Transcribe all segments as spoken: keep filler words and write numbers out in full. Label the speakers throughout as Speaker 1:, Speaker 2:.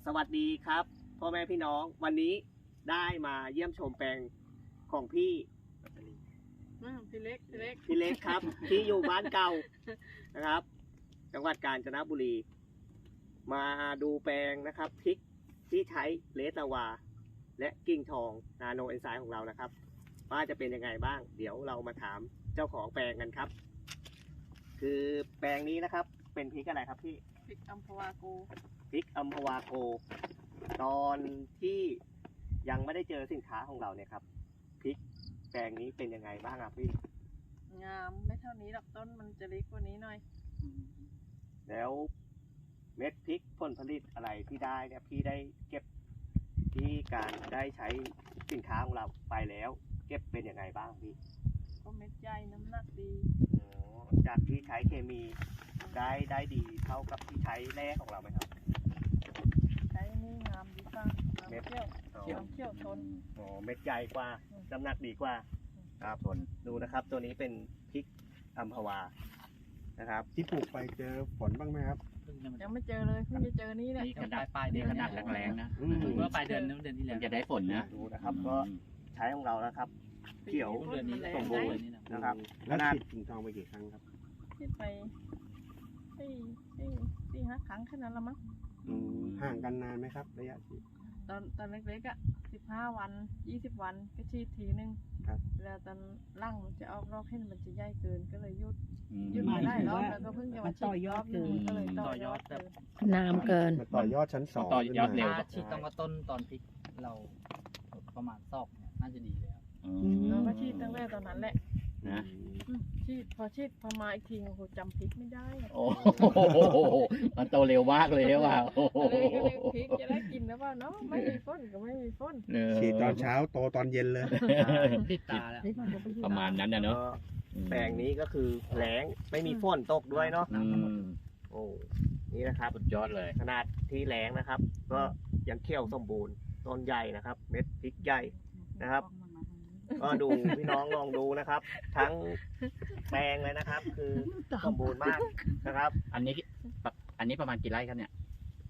Speaker 1: สวัสดีครับพ่อแม่พี่น้องวันนี้ได้มาเยี่ยมชมแปลงของพี่
Speaker 2: อืมพี่เล็กพี่เล็ก
Speaker 1: พี่เล็กครับ ที่อยู่บ้านเก่านะครับ จังหวัดกาญจนบุรี มาดูแปลงนะครับพริกที่ใช้เลสลาวา และกิ่งทองนาโนเอนไซม์ของเรานะครับว่าจะเป็นยังไงบ้าง เดี๋ยวเรามาถามเจ้าของแปลงกันครับ คือแปลงนี้นะครับเป็นพริกอะไรครับพี่
Speaker 2: พริกอัมพวาโก
Speaker 1: พริกอัมพวาโก ตอนที่ยังไม่ได้เจอสินค้าของเราเนี่ยครับพริกแปลงนี้เป็นยังไงบ้างครับพี่
Speaker 2: งามไม่เท่านี้หรอกต้นมันจะเล็กกว่านี้หน่อย
Speaker 1: แล้วเม็ดพริกผลผลิตอะไรที่ได้เนี่ยพี่ได้เก็บที่การได้ใช้สินค้าของเราไปแล้ว เก็บเป็นยังไงบ้างพี่
Speaker 2: ก็เม็ดใหญ่น้ำหนักดี
Speaker 1: อ๋อจากที่ใช้เคมีได้ได้ดีเท่ากับที่ใช้แร่ของเราไหมครับ
Speaker 2: ใช้นี่งามดีกว่า
Speaker 1: เม็ด
Speaker 2: น้ำเขี้ยวน้ำเขี้ยวทน
Speaker 1: อ๋อเม็ดใหญ่กว่าน้ำหนักดีกว่าครับทนดูนะครับ ตัวนี้เป็นพริกอัมพวานะครับ
Speaker 3: ที่ปลูกไปเจอฝนบ้างไหมครับ
Speaker 2: ยังไม่เจอเลยเพิ่งจะเจอนี่แหละ
Speaker 4: นี่ขนาดปลายเดือนขนาดแรงๆนะ
Speaker 3: อืม
Speaker 4: เมื่อปลายเดือนนู้นเดือนที่แล้วจะได้ฝนนะ
Speaker 1: ดูนะครับก็ใช้ของเรานะครับ เขียว
Speaker 4: เดือนนี้
Speaker 1: สมบูรณ์ นะครับ
Speaker 3: แล้วฉีดกิ่งทองไปกี่ครั้งครับ
Speaker 2: ที่ไปสี่สี่สี่ห้าครั้งแค่นั้นละมั้ง
Speaker 3: อืมห่างกันนานไหมครับ ระยะฉีด
Speaker 2: ตอนตอนเล็กๆอ่ะสิบห้าวันยี่สิบวันก็ฉีดทีนึง
Speaker 3: ครับ
Speaker 2: แล้วตอนร่างมันจะออกรอกให้มันจะใหญ่เกินก็เลยหยุด
Speaker 4: อืม
Speaker 2: หยุดไม่ได้รอบแล้วก็เพิ่งจะมาฉีดรอบนึงก็เลยต่อยอดเกิน
Speaker 5: น้ำเกิน
Speaker 3: มาต่อยอดชั้นสอง
Speaker 4: ต่อยอดเร็ว
Speaker 3: ขึ้นมา
Speaker 6: ฉีดต้องกระต้นตอนพริกเราประมาณซอกเนี่ยน่าจะดีเลยครับ
Speaker 4: อื
Speaker 2: เรา
Speaker 4: ม
Speaker 2: ก็ฉีดตั้งแต่ตอนนั้นแหละ
Speaker 4: นะ
Speaker 2: อืมฉีดพอฉีดพอมาอีกทีโอ้โหจำพริกไม่ได้อะ
Speaker 4: โอ้โหมันโตเร็วมากเลยว่ะโอ้โห
Speaker 2: อะไรก็เลยพริกจะได้กินแล้วว่าเนาะไม่มีฝนก็ไม่มีฝน
Speaker 4: เออ
Speaker 3: ฉีดตอนเช้าโตตอนเย็นเลย
Speaker 6: ติดตาแล้ว
Speaker 4: ประมาณนั้นนะเนาะ
Speaker 1: แปลงนี้ก็คือแล้งไม่มีฝนตกด้วยเนาะ
Speaker 4: อืม
Speaker 1: โอ้นี่นะครับ
Speaker 4: สุดยอดเลย
Speaker 1: ขนาดที่แล้งนะครับ ก็ยังเขียวสมบูรณ์ต้นใหญ่นะครับ เม็ดพริกใหญ่นะครับ ก็ดูพี่น้องลองดูนะครับ ทั้งแปลงเลยนะครับ คือสมบูรณ์มากนะครับ
Speaker 4: อันนี้อันนี้ประมาณกี่ไร่ครับเนี่ย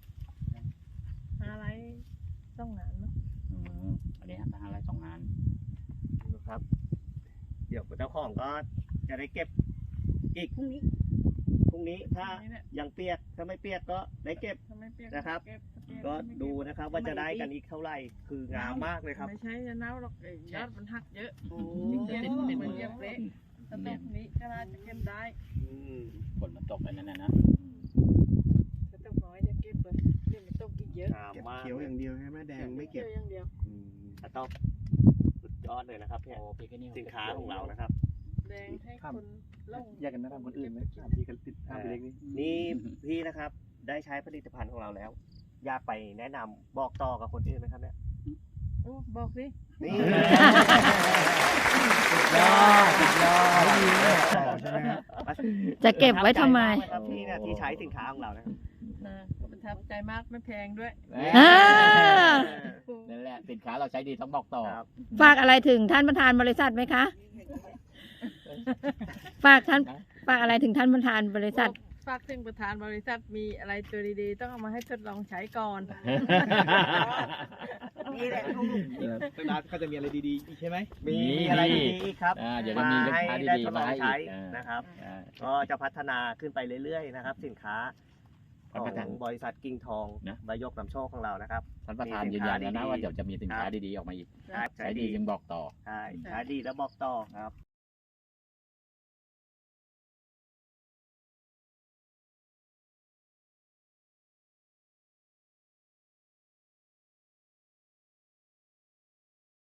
Speaker 2: อะไรต้องนานมั้ง
Speaker 4: อืมอันนี้ทางไร่สองงาน
Speaker 1: นะครับ เดี๋ยวเจ้าของก็จะได้เก็บอีกพรุ่งนี้พรุ่งนี้ถ้า
Speaker 2: นี่แหละ
Speaker 1: ยังเปียกถ้าไม่เปียกก็ได้เก็บ
Speaker 2: ถ้าไม่เปียก
Speaker 1: นะครับ
Speaker 2: เก็บถ้าเปีย
Speaker 1: ก็
Speaker 2: ไม่เบ
Speaker 1: ดูนะครับ ว่าจะได้กันอีกเท่าไหร่คืองามมากเลยครับ
Speaker 2: ไม่ใช่จะเน่าหรอกไอ้ยอดมันหักเยอะ
Speaker 1: โอ้
Speaker 2: จริงๆมันเหมือนเยียบเละถ้าตกนี้ก็น่าจะเก็บได้
Speaker 1: อืม
Speaker 4: ฝนมันตกไปนั่นนะนะ
Speaker 2: ถ้าตกน้อยจะเก็บเลยเดี๋ยวมันตกอีกเยอะ
Speaker 1: งาม
Speaker 3: เก็บ
Speaker 1: มาก
Speaker 3: เขียวอย่างเดียวใช่ไหมแดงไม่เก็บ
Speaker 2: กี่ยวอย่างเดียว
Speaker 3: อืม
Speaker 1: อะต้องสุดยอดเลยนะครับเนี่ย
Speaker 4: โอ้พริกนี่
Speaker 1: สินค้าของเรานะครับ
Speaker 2: แดงให้คนลง
Speaker 6: แยกกันนะทำคนอื่นไหมพี่กันติดทำไปเล็กนี่
Speaker 1: นี่พี่นะครับได้ใช้ผลิตภัณฑ์ของเราแล้ว อยากไปแนะนำบอกต่อกับคนอื่นไหมครับเนี่ย
Speaker 2: โอ้บอกสิ
Speaker 1: นี่
Speaker 4: ยอดสุดยอด
Speaker 3: ต่อใช่ไหมครับ
Speaker 5: จะเก็บไว้ทำไม
Speaker 1: ประทับใจากเลยครับพี่เนี่ยที่ใช้สินค้าของเรานะครับ
Speaker 2: นะก็ประทับใจมากไม่แพงด้วย
Speaker 5: อ่า
Speaker 4: นั่นแหละสินค้าเราใช้ดีต้องบอกต่อ
Speaker 1: ครับ
Speaker 5: ฝากอะไรถึงท่านประธานบริษัทไหมคะ ฝากท่านฝากอะไรถึงท่านประธานบริษัท
Speaker 2: ฝากถึงประธานบริษัทมีอะไรตัวดีๆ ต้องเอามาให้ทดลองใช้ก่อน
Speaker 1: นี่แหละ
Speaker 6: ตั้งนานก็จะมีอะไรดีๆอีกใช่ไหม
Speaker 1: มีอะไรดีๆอีกครับ
Speaker 4: อ่าเดี๋ยวจะมีลูก
Speaker 1: ให้
Speaker 4: ค้า
Speaker 1: ได้
Speaker 4: ดี
Speaker 1: ทด
Speaker 4: ๆ
Speaker 1: ล
Speaker 4: มา
Speaker 1: อง
Speaker 4: ให้
Speaker 1: ใช้
Speaker 4: อีกอ่า
Speaker 1: นะครับ
Speaker 4: อ่า
Speaker 1: ก็จะพัฒนาขึ้นไปเรื่อยๆนะครับ สินค้าข
Speaker 4: ท่าน
Speaker 1: อ
Speaker 4: ประธาน
Speaker 1: งบริษัทกิ่งทอง
Speaker 4: นะ
Speaker 1: ใบยกนำโชคของเรานะครับ
Speaker 4: ท่านประธาน
Speaker 1: มีสิ
Speaker 4: ยื
Speaker 1: น
Speaker 4: น
Speaker 1: ค้า
Speaker 4: ยันแล้วนะ
Speaker 1: ดีๆ
Speaker 4: ว่าเดี๋ยวจะมีสินค้าดีๆออกมาอีก
Speaker 1: ครับ
Speaker 4: ใช้ดีจึงบอกต่อ
Speaker 1: ใช่ใช้ดีแล้วบอกต่อครับ